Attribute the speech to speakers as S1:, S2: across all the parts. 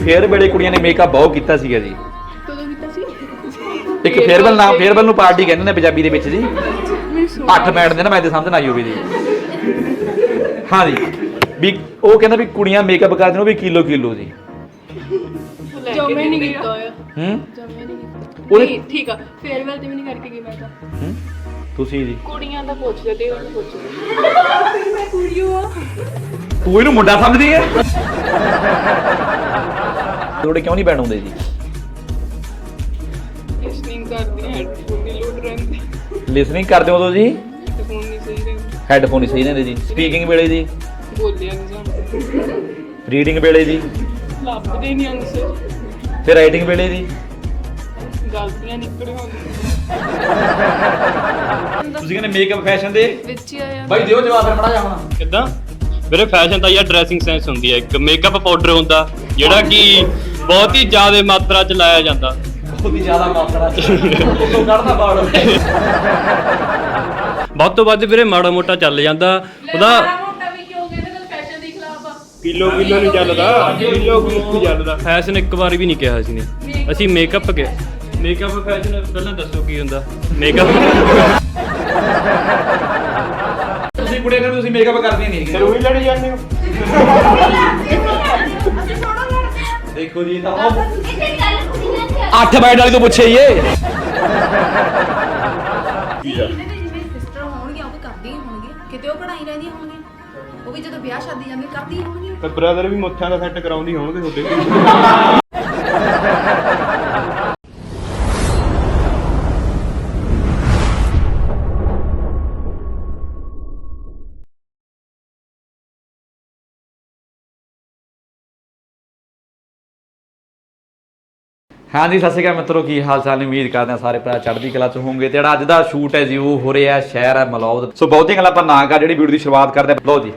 S1: Fair ਵੇਲੇ ਕੁੜੀਆਂ ਨੇ ਮੇਕਅਪ ਬਹੁਤ ਕੀਤਾ ਸੀਗਾ ਜੀ।
S2: ਕਦੋਂ ਕੀਤਾ ਸੀ?
S1: ਇੱਕ ਫੇਅਰਵੈਲ ਨਾਮ ਫੇਅਰਵੈਲ ਨੂੰ ਪਾਰਟੀ ਕਹਿੰਦੇ ਨੇ ਪੰਜਾਬੀ ਦੇ ਵਿੱਚ ਜੀ। 8 ਬੈਂਡ ਦੇ ਨਾ ਮੈਂ ਤੇ ਸਮਝ ਨਾ ਆਈ ਹੋਵੇ ਜੀ। ਹਾਂ ਜੀ ਵੀ ਉਹ ਕਹਿੰਦਾ ਵੀ ਕੁੜੀਆਂ ਮੇਕਅਪ ਕਰਦੀਆਂ ਉਹ ਵੀ ਕਿਲੋ ਜੀ।
S2: ਜਮੇ ਨਹੀਂ ਕੀਤਾ ਹੋਇਆ। ਜਮੇ ਨਹੀਂ ਕੀਤਾ। ਨਹੀਂ ਠੀਕ ਆ ਫੇਅਰਵੈਲ ਤੇ ਵੀ ਨਹੀਂ ਕਰਕੇ ਗਈ ਮੈਂ ਤਾਂ।
S1: ਤੁਸੀਂ ਜੀ
S2: ਕੁੜੀਆਂ ਦਾ ਪੁੱਛਦੇ ਤੇ ਉਹਨੂੰ ਪੁੱਛਦੇ ਮੈਂ ਕੁੜੀਓ ਆ।
S1: ਤੂੰ ਇਹਨੂੰ ਮੁੰਡਾ ਸਮਝਦੀ ਹੈ? ਤੁਹਾਡੇ ਕਿਉਂ ਨਹੀਂ ਬੈਂਡ ਆਉਂਦੇ ਜੀ?
S2: ਲਿਸਨਿੰਗ ਕਰਦੀ ਹੈਡਫੋਨ ਦੀ ਲੋਡ ਰਹਿੰਦੀ।
S1: ਲਿਸਨਿੰਗ ਕਰਦੇ ਹੋ ਤੁਸੀਂ?
S2: ਹੈਡਫੋਨ ਨਹੀਂ ਸਹੀ ਰਹਿੰਦੇ।
S1: ਹੈਡਫੋਨ ਹੀ ਸਹੀ ਰਹਿੰਦੇ ਜੀ। ਸਪੀਕਿੰਗ ਵੇਲੇ ਜੀ?
S2: ਬੋਲਿਆ ਨਹੀਂ ਜਾਂਦਾ।
S1: ਰੀਡਿੰਗ ਵੇਲੇ ਜੀ?
S2: ਲੱਭਦੇ ਨਹੀਂ ਆਨਸਰ।
S1: ਤੇ ਰਾਈਟਿੰਗ ਵੇਲੇ ਜੀ?
S2: ਗਲਤੀਆਂ ਨਿਕਲ ਆਉਂਦੀਆਂ।
S1: ਤੁਸੀਂ ਕਹਿੰਦੇ ਮੇਕਅਪ ਫੈਸ਼ਨ ਦੇ
S2: ਵਿੱਚ ਹੀ ਆਇਆ।
S1: ਬਾਈ ਦਿਓ ਜਵਾਬ ਫਿਰ ਮੜਾ ਜਾ ਹੁਣ।
S3: ਕਿੱਦਾਂ ਵੀਰੇ? ਫੈਸ਼ਨ ਤਾਂ ਯਾਰ ਡਰੈਸਿੰਗ ਸੈਂਸ ਹੁੰਦੀ ਹੈ। ਇੱਕ ਮੇਕਅਪ ਪਾਊਡਰ ਹੁੰਦਾ ਜਿਹੜਾ ਕਿ ਬਹੁਤ ਹੀ ਜ਼ਿਆਦਾ ਮਾਤਰਾ ਚ ਲਾਇਆ ਜਾਂਦਾ।
S1: ਬਹੁਤ ਹੀ ਜ਼ਿਆਦਾ ਮਾਤਰਾ ਚ ਉਦੋਂ ਕੱਢਦਾ ਬਾੜ।
S3: ਵੱਧ ਤੋਂ ਵੱਧ ਵੀਰੇ ਮਾੜਾ ਮੋਟਾ ਚੱਲ ਜਾਂਦਾ ਉਹਦਾ।
S2: ਮੋਟਾ ਵੀ ਕਿਉਂ ਕਹਿੰਦੇ ਨੇ ਫੈਸ਼ਨ ਦੇ ਖਿਲਾਫ ਆ।
S3: ਕਿਲੋ ਨਹੀਂ ਚੱਲਦਾ, ਕਿਲੋ ਚੱਲਦਾ। ਫੈਸ਼ਨ ਇੱਕ ਵਾਰ ਵੀ ਨਹੀਂ ਕਿਹਾ ਅਸੀਂ ਨੇ। ਅਸੀਂ ਮੇਕਅਪ ਕਿਹਾ। ਮੇਕਅਪ ਫੈਸ਼ਨ ਪਹਿਲਾਂ ਦੱਸੋ ਕੀ ਹੁੰਦਾ ਮੇਕਅਪ?
S1: ਤੁਸੀਂ ਕੁੜੀਆਂ ਨੂੰ ਤੁਸੀਂ ਮੇਕਅਪ ਕਰਦੀਆਂ ਨਹੀਂ ਹੈਗੀਆਂ।
S3: ਉਹੀ ਲੜੀ ਜਾਂਦੇ ਹੋ।
S1: ਦੇਖੋ ਜੀ ਤਾਂ 8 ਬੈਂਡ ਵਾਲੀ ਤੋਂ ਪੁੱਛੇ ਇਹ।
S4: ਸਿਸਟਰ ਹੋਣਗੀਆਂ ਉਹ ਵੀ ਕਰਦੀਆਂ ਹੀ ਹੋਣਗੀਆਂ ਕਿਤੇ ਉਹ ਕਢਾਈ ਰਹਿੰਦੀਆਂ ਹੋਣਗੀਆਂ ਉਹ ਵੀ ਜਦੋਂ ਵਿਆਹ ਸ਼ਾਦੀ ਜਾਂਦੇ ਕਰਦੀਆਂ ਹੋਣਗੀਆਂ
S3: ਤੇ ਬ੍ਰਦਰ ਵੀ ਮੁੱਛਾਂ ਦਾ ਸੈੱਟ ਕਰਾਉਂਦੀ ਹੋਣਗੇ ਤੁਹਾਡੇ।
S1: ਹਾਂ ਜੀ ਸਤਿ ਸ਼੍ਰੀ ਅਕਾਲ ਮਿੱਤਰੋ, ਕੀ ਹਾਲ ਚਾਲ ਨੇ? ਉਮੀਦ ਕਰਦੇ ਹਾਂ ਸਾਰੇ ਭਰਾ ਚੜ੍ਹਦੀ ਕਲਾ ਚ ਹੋਵੋਗੇ। ਤੇ ਜਿਹੜਾ ਅੱਜ ਦਾ ਸ਼ੂਟ ਹੈ ਜੀ ਉਹ ਹੋ ਰਿਹਾ ਸ਼ਹਿਰ ਹੈ ਮਲੌਦ। ਸੋ ਬਹੁਤੀਆਂ ਗੱਲਾਂ ਆਪਾਂ ਨਾ ਕਰ, ਜਿਹੜੀ ਵੀਡੀਓ ਦੀ ਸ਼ੁਰੂਆਤ ਕਰਦੇ ਹਾਂ। ਲਓ ਜੀ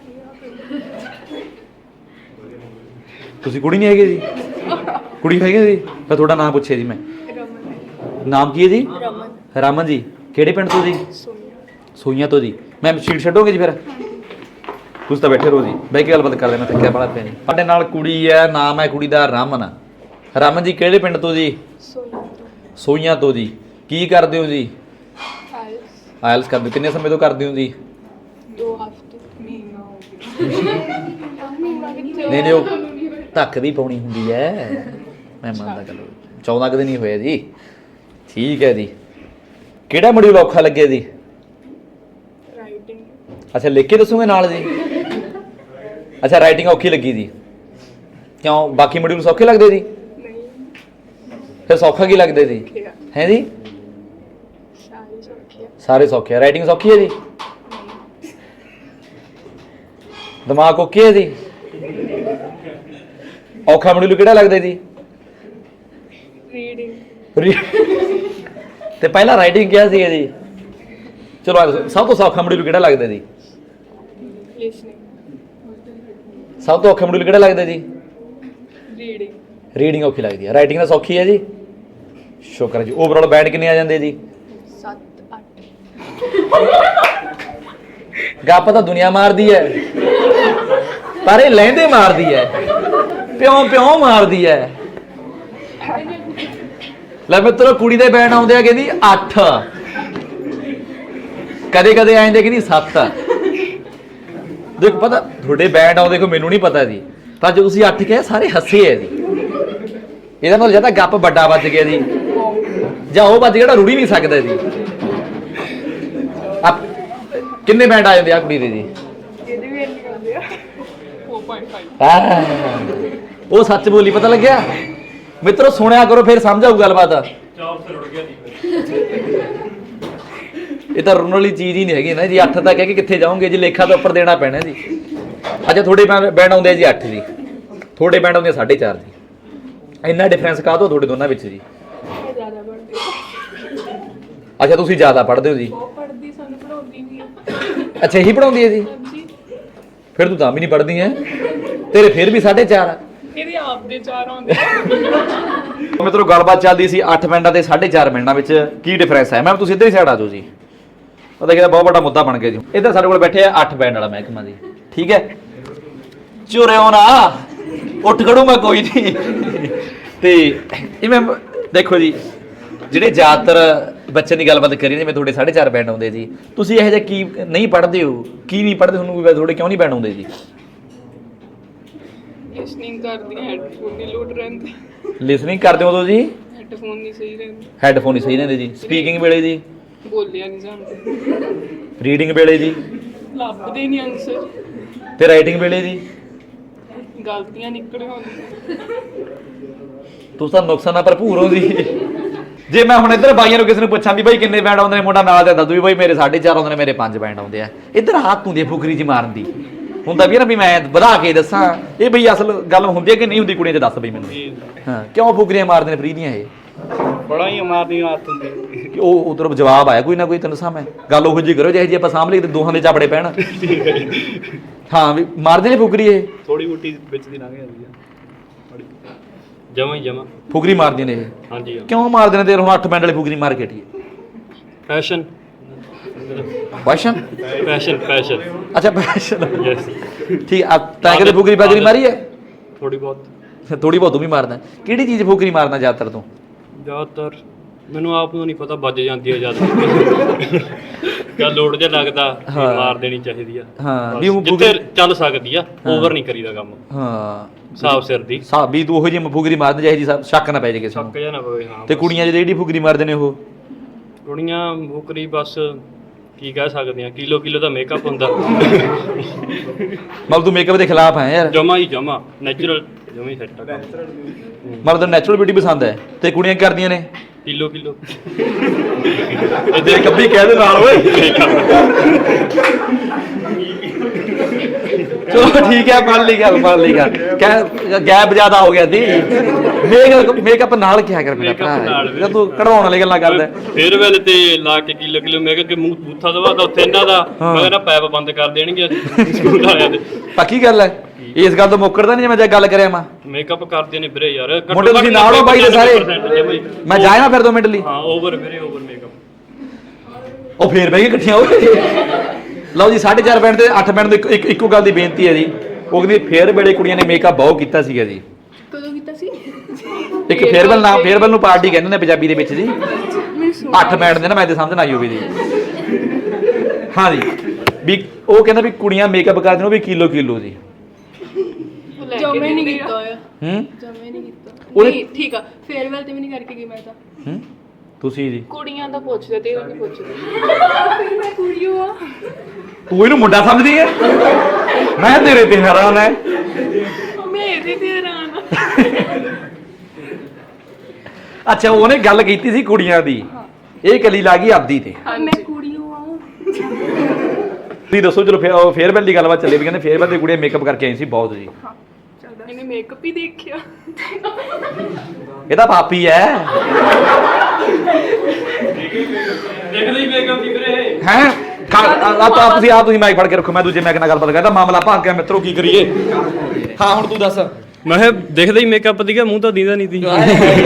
S1: ਤੁਸੀਂ ਕੁੜੀ ਨਹੀਂ ਹੈਗੇ ਜੀ? ਕੁੜੀ ਹੈਗੇ ਜੀ? ਤਾਂ ਤੁਹਾਡਾ ਨਾਮ ਪੁੱਛਿਆ ਜੀ ਮੈਂ। ਨਾਮ ਕੀ ਹੈ ਜੀ? ਰਮਨ ਜੀ। ਕਿਹੜੇ ਪਿੰਡ ਤੋਂ ਜੀ? ਸੋਈਆਂ ਤੋਂ ਜੀ। ਮੈਂ ਸੀਟ ਛੱਡੋਗੇ ਜੀ ਫਿਰ? ਤੁਸੀਂ ਤਾਂ ਬੈਠੇ ਰਹੋ ਜੀ, ਬਹਿ ਕੇ ਗੱਲਬਾਤ ਕਰਦੇ। ਮੈਂ ਥੱਕਿਆ ਬੜਾ ਪਿਆ ਜੀ। ਸਾਡੇ ਨਾਲ ਕੁੜੀ ਹੈ, ਨਾਮ ਹੈ ਕੁੜੀ ਦਾ ਰਮਨ। ਰਮਨ ਜੀ ਕਿਹੜੇ ਪਿੰਡ ਤੋਂ ਜੀ? ਸੋਈਆਂ ਤੋਂ ਜੀ। ਕੀ ਕਰਦੇ ਹੋ ਜੀ? ਆਇਲਸ ਕਰਦੇ। ਕਿੰਨੇ ਸਮੇਂ ਤੋਂ ਕਰਦੇ ਹੋ ਜੀ?
S2: 2 ਹਫ਼ਤੇ ਮਹੀਨਾ ਹੋ ਗਿਆ।
S1: ਨਹੀਂ ਉਹ ਧੱਕ ਵੀ ਪਾਉਣੀ ਹੁੰਦੀ ਹੈ। ਮੈਂ ਮੰਨਦਾ ਚਲੋ 14 ਕਦੇ ਨਹੀਂ ਹੋਇਆ ਜੀ। ਠੀਕ ਹੈ ਜੀ। ਕਿਹੜਾ ਮੋਡਿਊਲ ਔਖਾ ਲੱਗਿਆ ਜੀ?
S2: ਰਾਈਟਿੰਗ।
S1: ਅੱਛਾ ਲਿਖ ਕੇ ਦੱਸੋਗੇ ਨਾਲ ਜੀ? ਅੱਛਾ ਰਾਈਟਿੰਗ ਔਖੀ ਲੱਗੀ ਜੀ। ਕਿਉਂ ਬਾਕੀ ਮੋਡਿਊਲ ਸੌਖੇ ਲੱਗਦੇ ਜੀ? ਫਿਰ ਸੌਖਾ ਕੀ ਲੱਗਦਾ ਜੀ? ਹੈ ਜੀ? ਸਾਰੇ ਸੌਖੇ ਆ। ਰਾਈਟਿੰਗ ਸੌਖੀ ਹੈ ਜੀ? ਦਿਮਾਗ ਓਕੇ ਹੈ ਜੀ? ਔਖਾ ਮੋਡਿਊਲ ਕਿਹੜਾ ਲੱਗਦਾ ਜੀ?
S2: ਰੀਡਿੰਗ।
S1: ਤੇ ਪਹਿਲਾਂ ਰਾਈਟਿੰਗ ਕਿਹਾ ਸੀਗਾ ਜੀ। ਚਲੋ ਸਭ ਤੋਂ ਸੌਖਾ ਮੋਡਿਊਲ ਕਿਹੜਾ ਲੱਗਦਾ ਜੀ?
S2: ਲਿਸਨਿੰਗ।
S1: ਸਭ ਤੋਂ ਔਖਾ ਮੋਡਿਊਲ ਕਿਹੜਾ ਲੱਗਦਾ ਜੀ?
S2: ਰੀਡਿੰਗ।
S1: ਰੀਡਿੰਗ ਔਖੀ ਲੱਗਦੀ ਹੈ। ਰਾਈਟਿੰਗ ਤਾਂ ਸੌਖੀ ਹੈ ਜੀ। ਸ਼ੁਕਰ ਜੀ। ਓਵਰਆਲ ਬੈਂਡ ਕਿੰਨੇ ਆ ਜਾਂਦੇ ਜੀ?
S2: 7 8।
S1: ਗੱਪ ਤਾਂ ਦੁਨੀਆ ਮਾਰਦੀ ਹੈ ਪਰ ਇਹ ਲਹਿੰਦੇ ਮਾਰਦੀ ਹੈ। ਪਿਓ ਮਾਰਦੀ ਹੈ। ਲੈ ਮਿੱਤਰੋ ਕੁੜੀ ਦੇ ਬੈਂਡ ਆਉਂਦੇ ਆ ਕਹਿੰਦੀ 8, ਕਦੇ ਆਏ ਕਹਿੰਦੀ 7। ਦੇਖੋ ਪਤਾ ਤੁਹਾਡੇ ਬੈਂਡ ਆਉਂਦੇ ਕੋ ਮੈਨੂੰ ਨਹੀਂ ਪਤਾ ਜੀ, ਪਰ ਜਦੋਂ ਤੁਸੀਂ 8 ਕਹੇ ਸਾਰੇ ਹੱਸੇ ਹੈ ਜੀ। ਇਹਦਾ ਮਤਲਬ ਜਾਂ ਗੱਪ ਵੱਡਾ ਵੱਜ ਗਿਆ ਜੀ ਜਾਂ ਉਹ ਵੱਜ ਜਿਹੜਾ ਰੁੜੀ ਨਹੀਂ ਸਕਦਾ ਜੀ। ਕਿੰਨੇ ਬੈਂਡ ਆ ਜਾਂਦੇ ਆ ਕੁੜੀ ਦੇ ਜੀ?
S2: ਇਹਦੇ ਵੀ ਇੰਨੇ ਹੁੰਦੇ ਆ 4.5।
S1: ਉਹ ਸੱਚ ਬੋਲੀ, ਪਤਾ ਲੱਗਿਆ ਮਿੱਤਰੋ? ਸੁਣਿਆ ਕਰੋ ਫਿਰ ਸਮਝ ਆਊ ਗੱਲਬਾਤ। ਇਹ ਤਾਂ ਰੁਣ ਵਾਲੀ ਚੀਜ਼ ਹੀ ਨਹੀਂ ਹੈਗੀ ਨਾ ਜੀ। 8 ਤਾਂ ਕਹਿ ਕੇ ਕਿੱਥੇ ਜਾਓਗੇ ਜੀ? ਲੇਖਾ ਤਾਂ ਉੱਪਰ ਦੇਣਾ ਪੈਣਾ ਜੀ। ਅੱਛਾ ਤੁਹਾਡੇ ਬੈਂਡ ਆਉਂਦੇ ਆ ਜੀ 8 ਜੀ, ਤੁਹਾਡੇ ਬੈਂਡ ਆਉਂਦੇ 4.5 ਜੀ। ਇੰਨਾ ਡਿਫਰੈਂਸ ਕਾਹਤੋਂ ਤੁਹਾਡੇ ਦੋਨਾਂ ਵਿੱਚ ਜੀ?
S2: ਜ਼ਿਆਦਾ ਪੜ੍ਹਦੇ।
S1: ਅੱਛਾ ਤੁਸੀਂ ਜ਼ਿਆਦਾ ਪੜ੍ਹਦੇ ਹੋ ਜੀ?
S2: ਉਹ ਪੜ੍ਹਦੀ ਸਾਨੂੰ ਪੜਾਉਂਦੀ ਵੀ ਆ।
S1: ਅੱਛਾ ਇਹੀ ਪੜਾਉਂਦੀ ਹੈ ਜੀ?
S2: ਹਾਂਜੀ।
S1: ਫਿਰ ਤੂੰ ਤਾਂ ਵੀ ਨਹੀਂ ਪੜ੍ਹਦੀ ਹੈ, ਤੇਰੇ ਫਿਰ ਵੀ 4.5 ਆ।
S2: ਇਹਦੇ ਆਪ ਦੇ 4 ਆਉਂਦੇ।
S1: ਮਿੱਤਰੋ ਗੱਲਬਾਤ ਚੱਲਦੀ ਸੀ 8 ਬੈਂਡਾਂ ਤੇ 4.5 ਬੈਂਡਾਂ ਵਿੱਚ ਕੀ ਡਿਫਰੈਂਸ ਹੈ। ਮੈਂ ਤੁਸੀਂ ਇੱਧਰ ਹੀ ਸਾਈਡ ਆ ਜਾਓ ਜੀ। ਪਤਾ ਕਿ ਬਹੁਤ ਵੱਡਾ ਮੁੱਦਾ ਬਣ ਗਿਆ ਜੀ। ਇੱਧਰ ਸਾਡੇ ਕੋਲ ਬੈਠੇ ਆ 8 ਬੈਂਡ ਵਾਲਾ ਮਹਿਕਮਾ ਜੀ। ਠੀਕ ਹੈ, ਚੁਰਿਓ ਨਾ ਉੱਠ ਖੜੂ ਮੈਂ ਕੋਈ ਨਹੀਂ। ਤੇ ਇਹ ਮੈਂ ਦੇਖੋ ਜੀ, ਜਿਹੜੇ ਜ਼ਿਆਦਾਤਰ ਬੱਚਿਆਂ ਦੀ ਗੱਲਬਾਤ ਕਰੀ ਜਿਵੇਂ ਤੁਹਾਡੇ 4.5 ਬੈਂਡ ਆਉਂਦੇ ਜੀ, ਤੁਸੀਂ ਇਹੋ ਜਿਹਾ ਕੀ ਨਹੀਂ ਪੜ੍ਹਦੇ ਹੋ, ਕੀ ਨਹੀਂ ਪੜ੍ਹਦੇ, ਤੁਹਾਨੂੰ ਕੋਈ ਤੁਹਾਡੇ ਕਿਉਂ ਨਹੀਂ ਬੈਂਡ ਆਉਂਦੇ ਜੀ?
S2: ਲਿਸਨਿੰਗ ਕਰਦੀ ਹੈਡਫੋਨ ਨਹੀਂ ਲੋਡ ਰਹਿੰਦੇ,
S1: ਲਿਸਨਿੰਗ ਕਰਦੇ ਹੋ ਉਦੋਂ ਜੀ?
S2: ਹੈਡਫੋਨ ਨਹੀਂ ਸਹੀ ਰਹਿੰਦੇ,
S1: ਹੈੱਡਫੋਨ ਨਹੀਂ ਸਹੀ ਰਹਿੰਦੇ ਜੀ। ਸਪੀਕਿੰਗ ਵੇਲੇ ਜੀ?
S2: ਬੋਲਿਆ ਨਹੀਂ ਜਾਂਦੇ,
S1: ਰੀਡਿੰਗ ਵੇਲੇ ਜੀ?
S2: ਲੱਭਦੇ ਨਹੀਂ ਆਨਸਰ,
S1: ਤੇ ਰਾਈਟਿੰਗ ਵੇਲੇ ਜੀ?
S2: ਗਲਤੀਆਂ ਨਿਕਲ ਆਉਂਦੀਆਂ।
S1: ਤੁਸੀਂ ਤਾਂ ਨੁਕਸਾਨਾਂ ਭਰਪੂਰ ਹੋ ਜੀ। ਜੇ ਮੈਂ ਹੁਣ ਇੱਧਰ ਬਾਈਆਂ ਨੂੰ ਕਿਸੇ ਨੂੰ ਪੁੱਛਾਂ ਵੀ ਬਾਈ ਕਿੰਨੇ ਬੈਂਡ ਆਉਂਦੇ ਨੇ, ਮੁੰਡਾ ਨਾਲ ਦੇ ਦੱਸ ਦੂ ਵੀ ਬਾਈ ਮੇਰੇ 4.5 ਆਉਂਦੇ ਨੇ, ਮੇਰੇ 5 ਬੈਂਡ ਆਉਂਦੇ ਆ। ਇੱਧਰ ਹੱਥ ਹੁੰਦੀ ਹੈ ਫੁਕਰੀ ਜੀ ਮਾਰਨ ਦੀ, ਹੁੰਦਾ ਵੀ ਨਾ ਵੀ ਮੈਂ ਵਧਾ ਕੇ ਦੱਸਾਂ। ਇਹ ਬਈ ਅਸਲ ਗੱਲ ਹੁੰਦੀ ਹੈ ਕਿ ਨਹੀਂ ਹੁੰਦੀ? ਕੁੜੀਆਂ 'ਚ ਦੱਸ ਬਈ ਮੈਨੂੰ। ਹਾਂ, ਕਿਉਂ ਫੁਕਰੀਆਂ ਮਾਰਦੇ ਨੇ ਫਰੀ ਦੀਆਂ ਇਹ?
S5: ਬੜਾ ਹੀ ਮਾਰਦੀਆਂ ਆਦਤ ਹੁੰਦੀ।
S1: ਉਹ ਉਧਰ ਜਵਾਬ ਆਇਆ ਕੋਈ ਨਾ ਕੋਈ, ਤੈਨੂੰ ਸਾਹਮਣੇ ਗੱਲ ਉਹੋ ਜਿਹੀ ਕਰੋ ਜਿਹੇ ਜੀ ਆਪਾਂ ਸਾਹਮਣੇ ਤੇ ਦੋਹਾਂ ਦੇ ਚਾਪੜੇ ਪੈਣ। ਹਾਂ ਵੀ ਮਾਰਦੇ ਨੇ ਫੁਕਰੀ ਇਹ?
S5: ਥੋੜੀ ਬੁੱਟੀ ਵਿੱਚ ਦੀ ਲੰਘ ਜਾਂਦੀ ਆ।
S3: ਜਮਾ
S1: ਫੁਕਰੀ ਮਾਰਦੀਆਂ ਨੇ ਇਹ?
S3: ਹਾਂਜੀ
S1: ਕਿਉਂ ਮਾਰਦੇ ਨੇ? ਤੇ ਹੁਣ 8 ਬੈਂਡ ਵਾਲੀ ਫੁਕਰੀ ਮਾਰ ਕੇ ਹਟੀਏ।
S3: Fashion
S1: fashion?
S3: ਫੈਸ਼ਨ
S1: ਅੱਛਾ ਫੈਸ਼ਨ,
S3: ਯੈਸ।
S1: ਠੀਕ ਆ। ਤਾਂ ਕਦੇ ਫੁਕਰੀ ਬਾਜਰੀ ਮਾਰੀ ਹੈ?
S3: ਥੋੜੀ ਬਹੁਤ
S1: ਥੋੜੀ ਬਹੁਤ ਤੂੰ ਵੀ ਮਾਰਦਾ। ਕਿਹੜੀ ਚੀਜ਼ ਫੁਕਰੀ ਮਾਰਦਾ ਜ਼ਿਆਦਾਤਰ ਤੂੰ?
S3: ਜ਼ਿਆਦਾਤਰ ਮੈਨੂੰ ਆਪ ਨੂੰ ਨਹੀਂ ਪਤਾ, ਵੱਜ ਜਾਂਦੀ ਹੈ ਜ਼ਿਆਦਾ। ਜਾਂ ਲੋਡ ਜਿਹਾ ਲੱਗਦਾ ਵੀ
S1: ਹਾਂ।
S3: ਮਾਰ ਦੇਣੀ ਚਾਹੀਦੀ ਆ।
S1: ਹਾਂ,
S3: ਬਸ
S1: ਵੀ ਉਹ
S3: ਜਿੱਥੇ ਚੱਲ ਸਕਦੀ ਆ, ਓਵਰ ਨਹੀਂ ਕਰੀਦਾ ਕੰਮ,
S1: ਹਾਂ
S3: ਸਾਫ ਸਿਰ ਦੀ।
S1: ਵੀ ਤੂੰ ਉਹੋ ਜਿਹੀ ਫੁਕਰੀ ਮਾਰਦਾ ਜਿਹੇ ਜੀ ਸ਼ੱਕ ਨਾ ਪੈ ਜੇ ਕਿਸੇ ਨੂੰ।
S3: ਸ਼ੱਕ ਜਾਂ ਨਾ ਪਵੇ। ਹਾਂ,
S1: ਤੇ
S3: ਬਸ।
S1: ਕੁੜੀਆਂ ਜਿਹੜੀ ਫੁਕਰੀ ਮਾਰਦੇ ਨੇ ਉਹ?
S3: ਕੁੜੀਆਂ ਮੁਕਰੀ ਬਸ ਕੀ ਕਹਿ ਸਕਦੇ ਆ, ਕਿਲੋ ਦਾ ਮੇਕਅਪ ਹੁੰਦਾ।
S1: ਮਤਲਬ ਤੂੰ ਮੇਕਅਪ ਦੇ ਖਿਲਾਫ ਹੈ ਯਾਰ?
S3: ਜਮਾ ਨੈਚੁਰਲ ਜਮਾ ਹੀ ਸੈੱਟ ਆ ਕੰਮ।
S1: ਮਤਲਬ ਤੈਨੂੰ ਨੈਚੁਰਲ ਬਿਊਟੀ ਪਸੰਦ ਹੈ ਤੇ ਕੁੜੀਆਂ ਕੀ ਕਰਦੀਆਂ ਨੇ?
S3: ਕਿਲੋ
S1: ਇਹਦੇ ਕੱਬੀ ਕਹਿ ਦੇ ਨਾਲ ਓਏ। ਚਲੋ ਠੀਕ ਹੈ, ਮੰਨ ਲਈ ਗੱਲ। ਗੈਪ ਜ਼ਿਆਦਾ ਹੋ ਗਿਆ ਸੀ। ਮੇਕਅਪ ਨਾਲ ਕਿਹਾ ਕਰ ਮੇਰਾ ਭਰਾ, ਤੂੰ ਕਢਵਾਉਣ ਵਾਲੀ ਗੱਲਾਂ ਕਰਦਾ।
S3: ਫੇਰ ਵੇਲੇ ਤੇ ਲਾ ਕੇ ਕਿਲੋ ਮੈਂ ਕਿਹਾ ਕਿ ਮੂੰਹ ਬੂਥਾ ਦਵਾ ਤਾਂ ਉੱਥੇ ਇਹਨਾਂ ਦਾ ਮੈਂ ਕਹਿੰਦਾ ਪੈਪ ਬੰਦ ਕਰ ਦੇਣਗੇ ਸਕੂਲ ਵਾਲਿਆਂ ਦੇ।
S1: ਪੱਕੀ ਗੱਲ ਹੈ? ਇਸ ਗੱਲ ਤੋਂ ਮੁੱਕਰਦਾ ਨਹੀਂ ਜੇ ਮੈਂ ਗੱਲ ਕਰਿਆ ਮੈਂ?
S3: ਮੇਕਅਪ ਕਰਦੇ ਨੇ ਵੀਰੇ ਯਾਰ।
S1: ਮੁੰਡੇ ਤੁਸੀਂ ਨਾਲ ਹੋ ਬਾਈ ਦੇ ਸਾਰੇ? ਮੈਂ ਜਾਇਆ ਨਾ ਫਿਰ 2 ਮਿੰਟ ਲਈ?
S3: ਹਾਂ, ਓਵਰ ਮੇਕਅਪ।
S1: ਉਹ ਫੇਰ ਬਹਿ ਗਏ ਇਕੱਠੀਆਂ ਹੋਏ। ਲਓ ਜੀ, 4.5 ਬੈਂਡ ਤੇ 8 ਬੈਂਡ ਤੋਂ ਇੱਕੋ ਗੱਲ ਦੀ ਬੇਨਤੀ ਹੈ ਜੀ। ਉਹ ਕਹਿੰਦੀ ਫੇਰ ਵੇਲੇ ਕੁੜੀਆਂ ਨੇ ਮੇਕਅਪ ਬਹੁਤ ਕੀਤਾ ਸੀਗਾ ਜੀ।
S2: ਕਦੋਂ ਕੀਤਾ ਸੀ?
S1: ਇੱਕ ਫੇਅਰਵੈਲ ਨੂੰ ਪਾਰਟੀ ਕਹਿੰਦੇ ਨੇ ਪੰਜਾਬੀ ਦੇ ਵਿੱਚ ਜੀ। 8 ਬੈਂਡ ਦੇ ਨਾ, ਮੈਂ ਤੇ ਸਮਝ ਨਾ ਆਈ ਹੋਵੇ ਜੀ। ਹਾਂ ਜੀ, ਵੀ ਉਹ ਕਹਿੰਦਾ ਵੀ ਕੁੜੀਆਂ ਮੇਕਅਪ ਕਰਦੀਆਂ ਨੇ ਉਹ ਵੀ ਕਿਲੋ ਜੀ।
S2: ਜਮੇ ਨਹੀਂ ਕੀਤਾ ਹੋਇਆ,
S1: ਹੂੰ?
S2: ਜਮੇ ਨਹੀਂ ਕੀਤਾ।
S1: ਉਹਦੇ-
S2: ਨਹੀਂ ਠੀਕ ਆ, ਫੇਅਰਵੈਲ ਤੇ ਵੀ ਨਹੀਂ ਕਰਕੇ ਗਈ ਮੈਂ ਤਾਂ।
S1: ਹੂੰ? ਤੁਸੀਂ ਜੀ?
S2: ਕੁੜੀਆਂ ਦਾ ਪੁੱਛਦੇ ਤੇ ਉਹ ਨਹੀਂ ਪੁੱਛਦੇ। ਫਿਰ ਮੈਂ ਕੁੜੀ ਆ।
S1: ਤੂੰ ਇਹਨੂੰ ਮੁੰਡਾ ਸਮਝਦੀ ਹੈ? ਮੈਂ ਤੇਰੇ ਤੇ ਹੈਰਾਨ ਹੈ।
S2: ਮੈਂ ਇਹਦੇ ਤੇ ਹੈਰਾਨ ਆ।
S1: ਅੱਛਾ, ਉਹਨੇ ਗੱਲ ਕੀਤੀ ਸੀ ਕੁੜੀਆਂ ਦੀ, ਇਹ ਕਲੀ ਲਾ ਗਈ ਆਪਦੀ ਤੇ।
S2: ਮੈਂ ਕੁੜੀ ਆ।
S1: ਤੁਸੀਂ ਦੱਸੋ। ਚਲੋ ਫੇਅਰਵੈਲ ਦੀ ਗੱਲਬਾਤ ਚੱਲੇ ਵੀ ਕਹਿੰਦੇ ਫੇਅਰਵੈਲ ਦੀ ਕੁੜੀਆਂ ਮੇਕਅਪ ਕਰਕੇ ਆਈ ਸੀ ਬਹੁਤ ਜੀ।
S2: ਇਹਨੇ ਮੇਕਅਪ ਹੀ ਦੇਖਿਆ।
S1: ਇਹਦਾ ਪਾਪੀ ਹੈ।
S3: ਦੇਖ ਲਈ ਮੇਕਅਪ ਦੀ ਵੀਰੇ।
S1: ਹੈ ਤੁਸੀਂ ਮਾਈਕ ਫੜ ਕੇ ਰੱਖੋ, ਮੈਂ ਦੂਜੇ ਮਾਈਕ ਨਾਲ ਗੱਲਬਾਤ ਕਰਦਾ। ਮਾਮਲਾ ਭਾਗ ਗਿਆ ਮਿੱਤਰੋ, ਕੀ ਕਰੀਏ? ਹਾਂ ਹੁਣ ਤੂੰ ਦੱਸ।
S3: ਮੈਂ ਕਿਹਾ ਦੇਖਦਾ ਹੀ ਮੇਕਅਪ ਦੀ ਮੂੰਹ ਤਾਂ ਦੀਦਾ ਨਹੀਂ ਸੀ।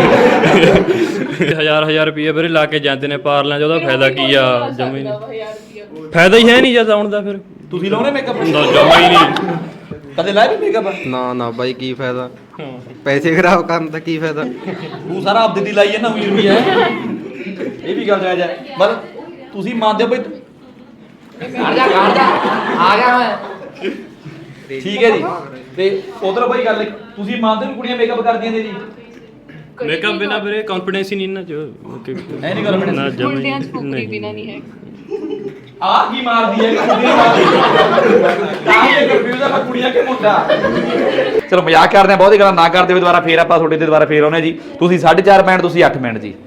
S3: 1000 ਰੁਪਏ ਵੀਰੇ ਲਾ ਕੇ ਜਾਂਦੇ ਨੇ ਪਾਰਲਾਂ 'ਚ, ਉਹਦਾ ਫਾਇਦਾ ਕੀ ਆ? ਜਮਾ ਹੀ ਨਹੀਂ ਫਾਇਦਾ ਹੀ ਹੈ ਨਹੀਂ ਜਦ ਆਉਣ ਦਾ। ਫਿਰ
S1: ਤੁਸੀਂ ਲਾਉਣੇ ਮੇਕਅਪ?
S3: ਜਮਾ ਹੀ ਨਹੀਂ।
S1: ਕਦੇ ਲਾਇਆ ਵੀ ਮੇਕਅਪ?
S6: ਨਾ ਬਾਈ, ਕੀ ਫਾਇਦਾ? ਪੈਸੇ ਖਰਾਬ ਕਰਨ ਦਾ ਕੀ ਫਾਇਦਾ?
S1: ਤੂੰ ਸਾਰਾ ਆਪਦੀ ਦੀ ਲਾਈ ਹੈ ਨਾ, ਵੀ ਹੈ। ਇਹ ਵੀ ਗੱਲ ਜਾਇਜ਼ ਹੈ। ਮਤਲਬ ਤੁਸੀਂ ਮੰਨਦੇ ਹੋ ਬਈ? ਆ ਗਿਆ ਮੈਂ। ਠੀਕ ਹੈ ਜੀ। ਤੇ ਉਧਰ ਬਈ ਗੱਲ ਤੁਸੀਂ ਮੰਨਦੇ ਹੋ ਕੁੜੀਆਂ ਮੇਕਅਪ ਕਰਦੀਆਂ ਨੇ ਜੀ?
S3: ਮੇਕਅਪ ਬਿਨਾ ਵੀਰੇ ਕੌਨਫੀਡੈਂਸ ਹੀ ਨਹੀਂ ਇਹਨਾਂ 'ਚ।
S1: ਐ ਨਹੀਂ confidence?
S3: ਨਾ ਜਮਾ
S2: ਮੁੰਡਿਆਂ 'ਚ
S3: ਹੀ
S2: ਫੁਕਰੀ
S3: ਨਹੀਂ।
S2: ਬਿਨਾ ਨਹੀਂ ਹੈ।
S1: ਆ ਕੀ ਮਾਰਦੀ ਹੈ? ਤਾਂ ਇਹ ਕਨਫਿਊਜ਼ ਆ ਕੁੜੀਆਂ ਕਿ ਮੁੰਡਾ। ਚਲੋ ਮਜ਼ਾਕ ਕਰਦੇ ਆ, ਬਹੁਤੀ ਗੱਲਾਂ ਨਾ ਕਰਦੇ ਹੋਏ ਦੁਬਾਰਾ ਫੇਰ ਆਪਾਂ ਤੁਹਾਡੇ ਤੇ ਦੁਬਾਰਾ ਫੇਰ ਆਉਨੇ ਜੀ। ਤੁਸੀਂ 4.5 ਬੈਂਡ, ਤੁਸੀਂ 8 ਬੈਂਡ ਜੀ।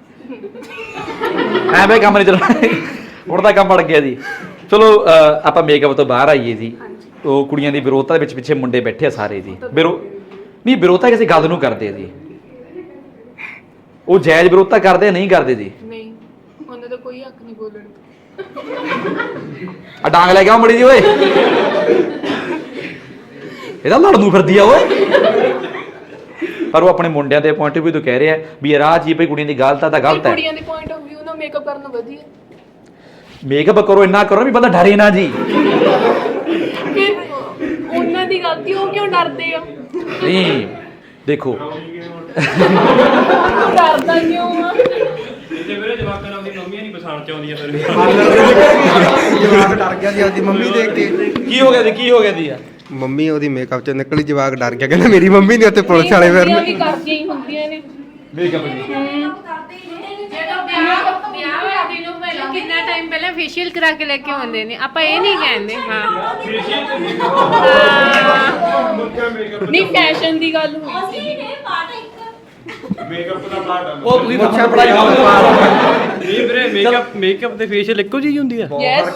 S1: ਐ ਬਈ ਕੰਮ ਨਹੀਂ ਚੱਲਣਾ, ਹੁਣ ਤਾਂ ਕੰਮ ਬਣ ਗਿਆ ਜੀ। ਚਲੋ ਆਪਾਂ ਮੇਕਅਪ ਤੋਂ ਬਾਹਰ ਆਈਏ ਜੀ। ਉਹ ਕੁੜੀਆਂ ਦੀ ਵਿਰੋਧਤਾ ਦੇ ਵਿੱਚ ਪਿੱਛੇ ਮੁੰਡੇ ਬੈਠੇ ਆ ਸਾਰੇ ਜੀ। ਵਿਰੋਧਤਾ ਕਿਸੇ ਗੱਲ ਨੂੰ ਕਰਦੇ ਆ ਜੀ। ਉਹ ਜਾਇਜ਼ ਵਿਰੋਧਤਾ ਕਰਦੇ ਨਹੀਂ ਕਰਦੇ ਜੀ?
S2: ਨਹੀਂ, ਉਹਨਾਂ ਦਾ ਕੋਈ ਹੱਕ ਨਹੀਂ ਬੋਲਣ ਦਾ।
S1: ਆ ਡਾਂਗ ਲੈ ਕੇ ਆਓ ਮੜੀ ਜੀ ਓਏ। ਇਹਦਾ ਲੜਨ ਨੂੰ ਫਿਰਦੀ ਆ ਓਏ। ਪਰ ਉਹ ਆਪਣੇ ਮੁੰਡਿਆਂ ਦੇ ਪੁਆਇੰਟ ਆਫ ਵਿਊ ਤੋਂ ਕਹਿ ਰਿਹਾ ਵੀ ਇਹ ਰਾਹ ਜੀ ਭਈ ਕੁੜੀਆਂ ਦੀ ਗਲਤ ਆ ਤਾਂ ਗਲਤ ਹੈ।
S2: ਕੁੜੀਆਂ ਦੇ ਪੁਆਇੰਟ ਆਫ ਵਿਊ ਨਾਲ ਮੇਕਅਪ ਕਰਨਾ ਵਧੀਆ।
S1: ਮੇਕਅਪ ਕਰੋ, ਇੰਨਾ ਕਰੋ ਵੀ ਬੰਦਾ ਡਰੇ ਨਾ ਜੀ।
S2: ਫਿਰ ਉਹਨਾਂ ਦੀ ਗਲਤੀ, ਉਹ ਕਿਉਂ ਡਰਦੇ ਆ?
S1: ਨਹੀਂ ਦੇਖੋ
S2: ਕਰਦਾ ਕਿਉਂ ਆ
S3: ਤੇ ਵੀਰੇ ਜਵਾਕਾਂ ਨਾਲ ਆਪਣੀ ਮੰਮੀਆਂ ਨਹੀਂ ਪਛਾਣ ਚ ਆਉਂਦੀਆਂ ਫਿਰ
S6: ਜਵਾਕ ਡਰ ਗਿਆ ਸੀ ਆਪਦੀ ਮੰਮੀ ਦੇਖ ਕੇ।
S1: ਕੀ ਹੋ ਗਿਆ ਜੀ ਕੀ ਹੋ ਗਿਆ ਜੀ
S6: ਮੰਮੀ ਉਹਦੀ ਮੇਕਅਪ ਚ ਨਿਕਲੀ, ਜਵਾਕ ਡਰ ਗਿਆ, ਕਹਿੰਦਾ ਮੇਰੀ ਮੰਮੀ ਨਹੀਂ ਉੱਥੇ ਪੁਲਿਸ ਵਾਲੇ
S2: ਵੀ
S6: ਫਿਰਨ।
S2: ਕਰਦੀਆਂ ਹੀ ਹੁੰਦੀਆਂ ਨੇ
S1: ਮੇਕਅਪ
S4: ਜਦੋਂ ਵਿਆਹ ਹੋਇਆ ਦਿਨੋਂ ਪਹਿਲਾਂ ਕਿੰਨਾ ਟਾਈਮ ਪਹਿਲਾਂ ਫੇਸ਼ੀਅਲ ਕਰਾ ਕੇ ਲੈ ਕੇ ਆਉਂਦੇ ਨੇ, ਆਪਾਂ ਇਹ ਨਹੀਂ ਕਹਿੰਦੇ। ਹਾਂ
S2: ਨਹੀਂ ਫੈਸ਼ਨ ਦੀ ਗੱਲ ਹੋਈ ਸੀ
S1: ਉਹ ਤੁਸੀਂ ਤਾਂ ਪੜਾਈ
S3: ਨਹੀਂ ਵੀਰੇ ਮੇਕਅਪ ਤੇ ਫੇਸ਼ੀਅਲ ਇੱਕੋ ਜਿਹੀ ਹੁੰਦੀ ਆ
S2: ਯੈਸ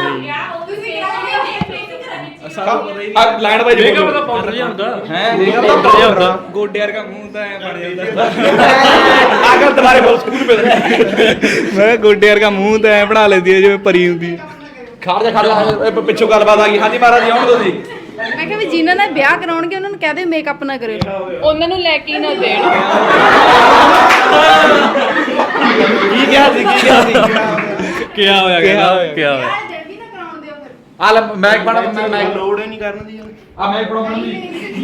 S1: ਲਾਈਨ ਬਾਈ
S3: ਮੇਕਅਪ ਦਾ ਪਾਊਡਰ ਜਿਹਾ ਹੁੰਦਾ
S1: ਹੈ
S3: ਮੇਕਅਪ ਦਾ ਪਾਊਡਰ ਜਿਹਾ ਹੁੰਦਾ
S5: ਗੋਡੇ ਵਰਗਾ ਮੂੰਹ ਤਾਂ ਐ ਬਣ ਜਾਂਦਾ
S1: ਆਗਰ ਦੁਬਾਰੇ ਬੋਲ ਸਕੂਲ ਪੇ
S5: ਮੈਂ ਕਿਹਾ ਗੋਡੇ ਵਰਗਾ ਮੂੰਹ ਤਾਂ ਐ ਬਣਾ ਲੈਂਦੀ ਹੈ ਜਿਵੇਂ ਪਰੀ ਹੁੰਦੀ ਹੈ।
S1: ਖੜ ਜਾ ਪਿੱਛੋਂ ਗੱਲਬਾਤ ਆ ਗਈ ਹਾਂਜੀ ਮਹਾਰਾਜ ਜੀ ਆਉਣ ਦੋ ਜੀ
S4: ਮੈਂ ਕਿਹਾ ਵੀ ਜਿਨ੍ਹਾਂ ਨੇ ਵਿਆਹ ਕਰਾਉਣਗੇ ਉਹਨਾਂ ਨੂੰ ਕਹਿ ਦੇ ਮੇਕਅਪ ਨਾ ਕਰਿਓ।
S2: ਉਹਨਾਂ ਨੂੰ ਲੈ ਕੇ ਨਾ ਦੇਣ
S1: ਕੀ ਕਿਹਾ ਸੀ ਕੀ ਕਿਹਾ ਸੀ
S3: ਕਿਆ ਹੋਇਆ ਕਿਆ ਹੋਇਆ
S4: ਜਲਦੀ ਨਾ ਕਰਾਉਣ ਦਿਓ ਫਿਰ।
S1: ਆ ਲੈ ਮੈਕ ਬਣਾ ਮੈਂ
S5: ਲੋੜ ਹੀ ਨਹੀਂ ਕਰਨ ਦੀ
S1: ਆ ਮੈਕ ਬਣਾਉਣ ਦੀ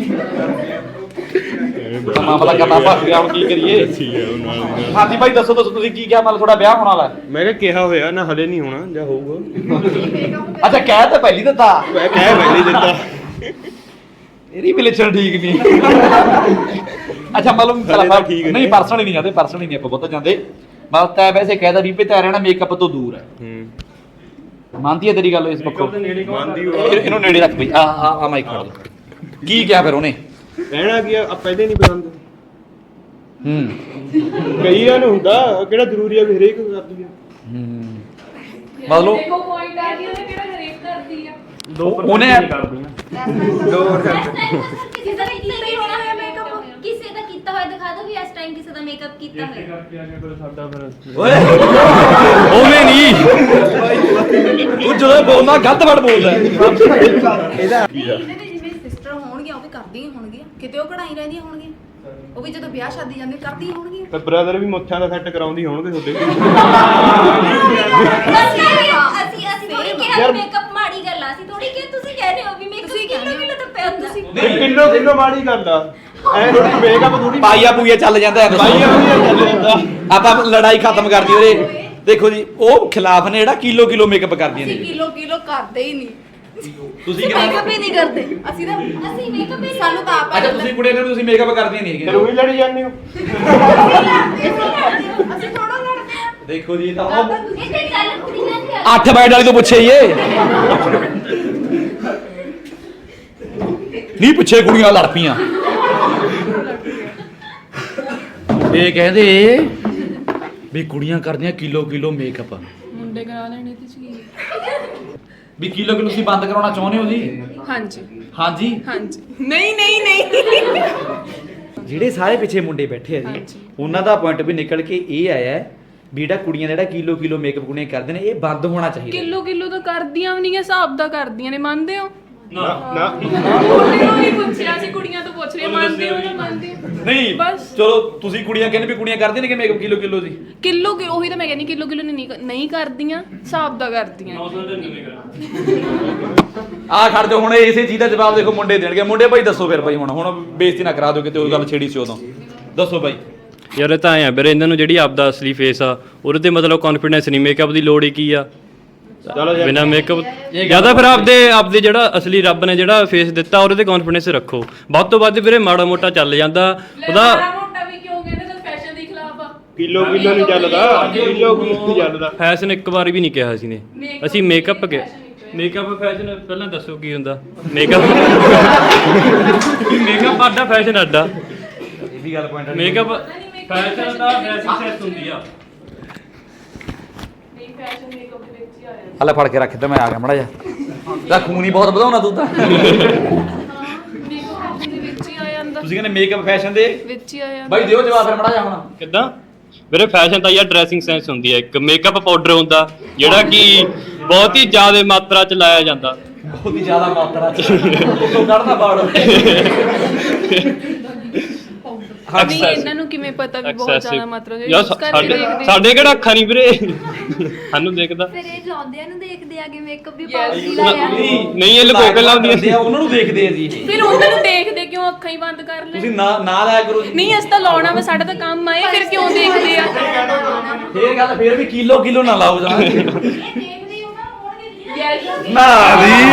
S1: ਮਾਮਲਾ ਕਰਨਾ ਫਸ ਗਿਆ ਹੁਣ ਕੀ ਕਰੀਏ ਹਾਂਜੀ ਭਾਈ ਦੱਸੋ ਤੁਸੀਂ ਕੀ ਕਿਹਾ ਮਤਲਬ ਤੁਹਾਡਾ ਵਿਆਹ ਹੋਣ ਵਾਲਾ
S5: ਮੈਂ ਕਿਹਾ ਕਿਹਾ ਹੋਇਆ ਨਾ ਹਲੇ ਨਹੀਂ ਹੋਣਾ ਜਾਂ ਹੋਊਗਾ।
S1: ਅੱਛਾ ਕਹਿ ਤਾਂ ਪਹਿਲੀ ਦਿੱਤਾ
S5: ਮੈਂ ਕਹਿ ਪਹਿਲੀ ਦਿੱਤਾ
S1: ਇਹਦੀ ਵੀ ਲੱਛਣ ਠੀਕ ਨਹੀਂ ਅੱਛਾ ਮਤਲਬ
S5: ਤਾਂ ਠੀਕ ਨੇ।
S1: ਨਹੀਂ ਪਰਸਨਲੀ ਨਹੀਂ ਜਾਂਦੇ ਪਰਸਨਲੀ ਨਹੀਂ ਆਪਾਂ ਬਹੁਤ ਜਾਂਦੇ ਮਤਲਬ ਤਾਂ ਵੈਸੇ ਕਹਿਦਾ ਵੀ ਤੇ ਰਹਿਣਾ ਮੇਕਅਪ ਤੋਂ ਦੂਰ ਹੈ ਮੰਨਦੀ ਹੈ ਤੇਰੀ ਗੱਲ ਇਸ ਪੱਖੋਂ
S5: ਮੰਨਦੀ
S1: ਇਹਨੂੰ ਨੇੜੇ ਰੱਖ ਬਈ ਆ ਮਾਈਕ ਫੜ ਲੈ ਕੀ ਕਿਹਾ ਫਿਰ ਉਹਨੇ
S5: ਕਹਿਣਾ ਕੀ ਆ ਪਹਿਲੇ ਨਹੀਂ ਪਸੰਦ ਕਈਆਂ ਨੂੰ ਹੁੰਦਾ ਕਿਹੜਾ ਜ਼ਰੂਰੀ ਆ ਵੀ ਹਰੇਕ ਕਰਦੀ ਆ
S1: ਮਤਲਬ
S2: ਦੇਖੋ ਪੁਆਇੰਟ ਆ ਗਿਆ ਉਹਨੇ ਕਿਹੜਾ ਹਰੇਕ ਕਰਦੀ ਆ
S1: ਉਹਨੇ
S7: ਕਿਸੇ ਦਾ ਕੀਤਾ ਹੀ ਹੋਣਾ ਹੈ ਮੇਕਅਪ ਕਿਸੇ ਦਾ ਕੀਤਾ ਹੋਇਆ ਦਿਖਾ ਦਿਓ ਵੀ ਇਸ ਟਾਈਮ ਕਿਸੇ ਦਾ ਮੇਕਅਪ ਕੀਤਾ ਹੋਇਆ
S1: ਓਏ
S3: ਉਹਨੇ ਨਹੀਂ
S1: ਤੂੰ ਜਦੋਂ ਬੋਲਦਾ ਗਲਤ ਵਰਡ ਬੋਲਦਾ
S4: ਇਹਦੇ ਜਿਵੇਂ ਸਿਸਟਰ ਹੋਣਗੀਆਂ ਉਹ ਵੀ ਕਰਦੀਆਂ ਹੀ ਹੋਣਗੀਆਂ, ਕਿਤੇ ਉਹ ਕਢਾਈ ਰਹਿੰਦੀਆਂ ਹੋਣਗੀਆਂ, ਉਹ ਵੀ ਜਦੋਂ ਵਿਆਹ ਸ਼ਾਦੀ ਜਾਂਦੇ ਕਰਦੀਆਂ ਹੋਣਗੀਆਂ।
S5: ਤੇ ਬ੍ਰਦਰ ਵੀ ਮੁੱਛਾਂ ਦਾ ਸੈੱਟ ਕਰਾਉਂਦੀ ਹੋਣਗੇ ਤੁਹਾਡੇ
S7: ਅਸੀਂ ਥੋੜੀ ਕਿਹਾ ਮੇਕਅਪ ਮਾੜੀ ਗੱਲ ਆ, ਅਸੀਂ ਥੋੜੀ ਕਿ ਤੁਸੀਂ ਕਹਿ ਰਹੇ ਹੋ ਵੀ ਮੇਕਅਪ ਕਿਲੋ ਤਾਂ ਪਿਆ ਹੁੰਦਾ
S5: ਕਿਲੋ ਮਾੜੀ ਗੱਲ ਆ ਐ ਥੋੜੀ ਮੇਕਅਪ ਥੋੜੀ
S1: ਪਾਈਆ ਪੂਈਆ ਚੱਲ ਜਾਂਦਾ ਹੈ
S5: ਭਾਈ ਚੱਲ ਜਾਂਦਾ
S1: ਆਪਾਂ ਲੜਾਈ ਖਤਮ ਕਰਦੀ ਉਹਦੇ ਦੇਖੋ ਜੀ ਉਹ ਖਿਲਾਫ ਨੇ ਜਿਹੜਾ ਕਿਲੋ ਮੇਕਅਪ ਕਰਦੀਆਂ
S4: ਅਸੀਂ
S1: ਨੇ
S4: ਕਿਲੋ ਕਰਦੇ ਹੀ ਨਹੀਂ,
S1: ਤੁਸੀਂ
S4: ਮੇਕਅਪ ਹੀ ਨਹੀਂ ਕਰਦੇ ਅਸੀਂ ਤਾਂ
S7: ਅਸੀਂ ਮੇਕਅਪ ਹੀ
S4: ਸਾਨੂੰ ਤਾਂ ਆਪ
S1: ਅੱਛਾ ਤੁਸੀਂ ਕੁੜੀਆਂ ਨੇ ਤੁਸੀਂ ਮੇਕਅਪ ਕਰਦੀਆਂ ਨਹੀਂ
S5: ਫਿਰ
S1: ਹੈਗੀਆਂ
S5: ਉਹੀ ਲੜੀ ਜਾਂਦੇ ਹੋ
S4: ਅਸੀਂ ਥੋੜਾ ਲੜਦੇ ਆ।
S1: ਦੇਖੋ ਜੀ ਤਾਂ
S7: ਇਹ ਤੇ ਗੱਲ ਕੁੜੀਆਂ ਦੀ ਆ।
S1: 8 ਬੈਡ ਵਾਲੀ ਤੋਂ ਪੁੱਛੇ ਇਹ ਨਹੀਂ ਪੁੱਛੇ ਕੁੜੀਆਂ ਲੜ ਪਈਆਂ ਇਹ ਕਹਿੰਦੇ ਵੀ ਕੁੜੀਆਂ ਕਰਦੀਆਂ ਕਿਲੋ ਮੇਕਅਪ
S2: ਮੁੰਡੇ ਕਰਾ ਲੈਣੇ ਤੇ ਸੀ
S1: ਵੀ ਕਿਲੋ ਤੁਸੀਂ ਬੰਦ ਕਰਾਉਣਾ ਚਾਹੁੰਦੇ ਹੋ ਜੀ
S2: ਹਾਂਜੀ
S1: ਹਾਂਜੀ
S2: ਹਾਂਜੀ ਨਹੀਂ
S1: ਜਿਹੜੇ ਸਾਰੇ ਪਿੱਛੇ ਮੁੰਡੇ ਬੈਠੇ ਆ ਜੀ
S2: ਹਾਂਜੀ।
S1: ਉਹਨਾਂ ਦਾ ਪੁਆਇੰਟ ਵੀ ਨਿਕਲ ਕੇ ਇਹ ਆਇਆ ਹੈ ਵੀ ਜਿਹੜਾ ਕੁੜੀਆਂ ਦਾ ਜਿਹੜਾ ਕਿਲੋ ਮੇਕਅਪ ਕੁੜੀਆਂ ਕਰਦੇ ਨੇ ਇਹ ਬੰਦ ਹੋਣਾ ਚਾਹੀਦਾ
S2: ਕਿਲੋ ਤਾਂ ਕਰਦੀਆਂ ਵੀ ਨਹੀਂ ਹਿਸਾਬ ਦਾ ਕਰਦੀਆਂ ਨੇ, ਮੰਨਦੇ ਹੋ?
S5: ਨਾ
S2: ਮੁੰਡੇ ਨੂੰ ਹੀ ਪੁੱਛਿਆ ਸੀ, ਕੁੜੀਆਂ ਤੋਂ ਪੁੱਛ ਰਹੇ ਮੰਨਦੇ ਹੋ ਨਾ ਮੰਨਦੇ ਹੋ?
S1: ਨਹੀਂ
S2: ਬਸ
S1: ਚਲੋ ਤੁਸੀਂ ਕੁੜੀਆਂ ਕਹਿੰਦੇ ਵੀ ਕੁੜੀਆਂ ਕਰਦੀਆਂ ਨੇ ਕਿ ਮੇਕਅਪ ਕਿਲੋ ਦੀ
S2: ਕਿਲੋ ਉਹੀ ਤਾਂ ਮੈਂ ਕਹਿੰਦੀ ਕਿਲੋ ਨਹੀਂ ਕਰਦੀਆਂ, ਹਿਸਾਬ ਦਾ ਕਰਦੀਆਂ।
S1: ਆ ਖੜ ਜਾਓ ਹੁਣ ਇਸੇ ਚੀਜ਼ ਦਾ ਜਵਾਬ ਦੇਖੋ ਮੁੰਡੇ ਦੇਣਗੇ ਮੁੰਡੇ ਭਾਈ ਦੱਸੋ ਫਿਰ ਭਾਈ ਹੁਣ ਬੇਇੱਜ਼ਤੀ ਨਾ ਕਰਾ ਦਿਓ ਕਿਤੇ ਉਹ ਗੱਲ ਛੇੜੀ ਸੀ ਉਦੋਂ ਦੱਸੋ ਭਾਈ
S3: ਯਾਰ ਇਹ ਤਾਂ ਐ ਵੀਰੇ ਇਹਨਾਂ ਨੂੰ ਜਿਹੜੀ ਆਪਦਾ ਅਸਲੀ ਫੇਸ ਆ ਉਹਦੇ ਤੇ ਮਤਲਬ ਕੌਨਫੀਡੈਂਸ ਨਹੀਂ, ਮੇਕਅਪ ਦੀ ਲੋੜ ਹੀ ਕੀ ਆ
S5: ਚਲੋ ਯਾਰ
S3: ਬਿਨਾ ਮੇਕਅਪ ਜਿਆਦਾ ਫਿਰ ਆਪਦੇ ਜਿਹੜਾ ਅਸਲੀ ਰੱਬ ਨੇ ਜਿਹੜਾ ਫੇਸ ਦਿੱਤਾ ਉਹਦੇ ਤੇ ਕੌਨਫੀਡੈਂਸ ਰੱਖੋ। ਵੱਧ ਤੋਂ ਵੱਧ ਵੀਰੇ ਮਾੜਾ ਮੋਟਾ ਚੱਲ ਜਾਂਦਾ ਉਹਦਾ
S2: ਮੋਟਾ ਵੀ ਕਿਉਂ ਕਹਿੰਦੇ ਤਾਂ ਫੈਸ਼ਨ ਦੇ ਖਿਲਾਫ ਆ।
S5: ਕਿਲੋ ਨਹੀਂ ਚੱਲਦਾ ਕਿਲੋ ਚੱਲਦਾ
S3: ਫੈਸ਼ਨ ਇੱਕ ਵਾਰ ਵੀ ਨਹੀਂ ਕਿਹਾ ਸੀ ਨੇ ਅਸੀਂ ਮੇਕਅਪ ਕਿਹਾ ਮੇਕਅਪ ਫੈਸ਼ਨ ਪਹਿਲਾਂ ਦੱਸੋ ਕੀ ਹੁੰਦਾ ਮੇਕਅਪ ਆਡਾ ਫੈਸ਼ਨ ਆਡਾ
S1: ਇਹ ਵੀ ਗੱਲ ਪੁਆਇੰਟ
S3: ਮੇਕਅਪ ਫੈਸ਼ਨ ਦਾ ਡਰੈਸਿੰਗ ਸੈਂਸ ਹੁੰਦੀ ਆ
S2: ਨਹੀਂ ਫੈਸ਼ਨ ਮੇਕਅਪ ਦੇ ਵਿੱਚ ਹੀ ਆਇਆ।
S1: ਹਲੇ ਫੜ ਕੇ ਰੱਖ ਤੇ ਮੈਂ ਆ ਗਿਆ ਮੜਾ ਜਾ ਤਾਂ ਖੂਨ ਹੀ ਬਹੁਤ ਵਧਾਉਣਾ ਤੂੰ ਤਾਂ
S2: ਮੇਕਅਪ ਦੇ ਵਿੱਚ ਹੀ ਆ ਜਾਂਦਾ,
S1: ਤੁਸੀਂ ਕਹਿੰਦੇ ਮੇਕਅਪ ਫੈਸ਼ਨ ਦੇ
S2: ਵਿੱਚ ਹੀ ਆ ਜਾਂਦਾ।
S1: ਭਾਈ ਦਿਓ ਜਵਾਬ ਫਿਰ ਮੜਾ ਜਾ ਹੁਣ
S3: ਕਿੱਦਾਂ ਵੀਰੇ ਫੈਸ਼ਨ ਤਾਂ ਯਾਰ ਡਰੈਸਿੰਗ ਸੈਂਸ ਹੁੰਦੀ ਹੈ, ਇੱਕ ਮੇਕਅਪ ਪਾਊਡਰ ਹੁੰਦਾ ਜਿਹੜਾ ਕਿ ਬਹੁਤ ਹੀ ਜ਼ਿਆਦਾ ਮਾਤਰਾ ਚ ਲਾਇਆ ਜਾਂਦਾ।
S1: ਬਹੁਤ ਹੀ ਜ਼ਿਆਦਾ ਮਾਤਰਾ ਚ ਉਤੋਂ ਕੱਢਦਾ ਬਾੜ
S2: ਨਹੀਂ ਇਹਨਾਂ ਨੂੰ ਕਿਵੇਂ ਪਤਾ ਵੀ ਬਹੁਤ ਜ਼ਿਆਦਾ ਮਾਤਰਾ ਦੇ
S3: ਯਾਰ
S2: use ਕਰਕੇ ਦੇਖਦੇ।
S3: ਸਾਡੇ ਕਿਹੜਾ ਅੱਖਾਂ ਨਹੀਂ ਵੀਰੇ ਸਾਨੂੰ ਦੇਖਦਾ
S7: ਫਿਰ ਇਹ ਲਾਉਂਦਿਆਂ ਨੂੰ ਦੇਖਦੇ ਆਗੇ ਮੇਕਅਪ ਵੀ ਪਾਉਂਦੀ ਲਾਇਆ
S3: ਨਹੀਂ ਇਹ ਲੁਕੋ ਕੇ ਲਾਉਂਦੀਆਂ
S1: ਉਹਨਾਂ ਨੂੰ ਦੇਖਦੇ ਆ ਜੀ ਇਹ।
S2: ਫਿਰ ਉਹਨਾਂ ਨੂੰ ਦੇਖਦੇ ਕਿਉਂ ਅੱਖਾਂ ਹੀ ਬੰਦ ਕਰ ਲੈ
S1: ਤੁਸੀਂ ਨਾ ਲਾਇਆ ਕਰੋ ਜੀ
S2: ਨਹੀਂ ਅਸੀਂ ਤਾਂ ਲਾਉਣਾ ਵਾ ਸਾਡਾ ਤਾਂ ਕੰਮ ਆਏ ਫਿਰ ਕਿਉਂ ਦੇਖਦੇ ਆ
S1: ਫੇਰ ਗੱਲ ਫੇਰ ਵੀ ਕਿਲੋ ਨਾ ਲਾਓ ਜਾ
S4: ਇਹ ਦੇਖਦੇ ਹੀ ਉਹਨਾਂ ਹੋਣਗੇ ਜੀ
S1: ਨਾ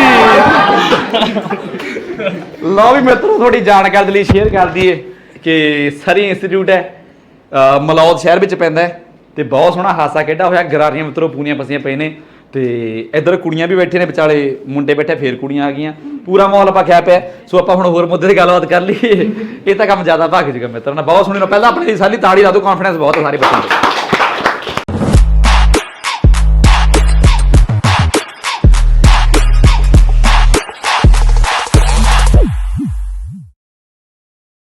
S1: ਜੀ ਲਓ ਵੀ ਮਿੱਤਰੋ ਥੋੜੀ ਜਾਣਕਾਰੀ ਲਈ ਸ਼ੇਅਰ ਕਰ ਦਈਏ ਕਿ ਸਰੀ ਇੰਸਟੀਚਿਊਟ ਹੈ ਮਲੌਦ ਸ਼ਹਿਰ ਵਿੱਚ ਪੈਂਦਾ ਹੈ ਤੇ ਬਹੁਤ ਸੋਹਣਾ ਹਾਸਾ ਖੇਡਾ ਹੋਇਆ ਗਰਾਰੀਆਂ ਮਿੱਤਰੋ ਪੂਰੀਆਂ ਪਸੀਆਂ ਪਏ ਨੇ ਤੇ ਇੱਧਰ ਕੁੜੀਆਂ ਵੀ ਬੈਠੇ ਨੇ ਵਿਚਾਲੇ ਮੁੰਡੇ ਬੈਠੇ ਫੇਰ ਕੁੜੀਆਂ ਆ ਗਈਆਂ ਪੂਰਾ ਮਾਹੌਲ ਆਪਾਂ ਖਿਆ ਪਿਆ ਸੋ ਆਪਾਂ ਹੁਣ ਹੋਰ ਮੁੱਦੇ ਤੇ ਗੱਲਬਾਤ ਕਰ ਲਈਏ ਇਹ ਤਾਂ ਕੰਮ ਜ਼ਿਆਦਾ ਭਾਗ ਜੂਗਾ ਮਿੱਤਰਾਂ ਨਾਲ ਬਹੁਤ ਸੋਹਣੀ ਪਹਿਲਾਂ ਆਪਣੀ ਸਾਰੀ ਤਾੜੀ ਲਾ ਦਿਓ ਕਾਨਫੀਡੈਂਸ ਬਹੁਤ ਹੈ ਸਾਰੇ ਬੱਚਿਆਂ ਦਾ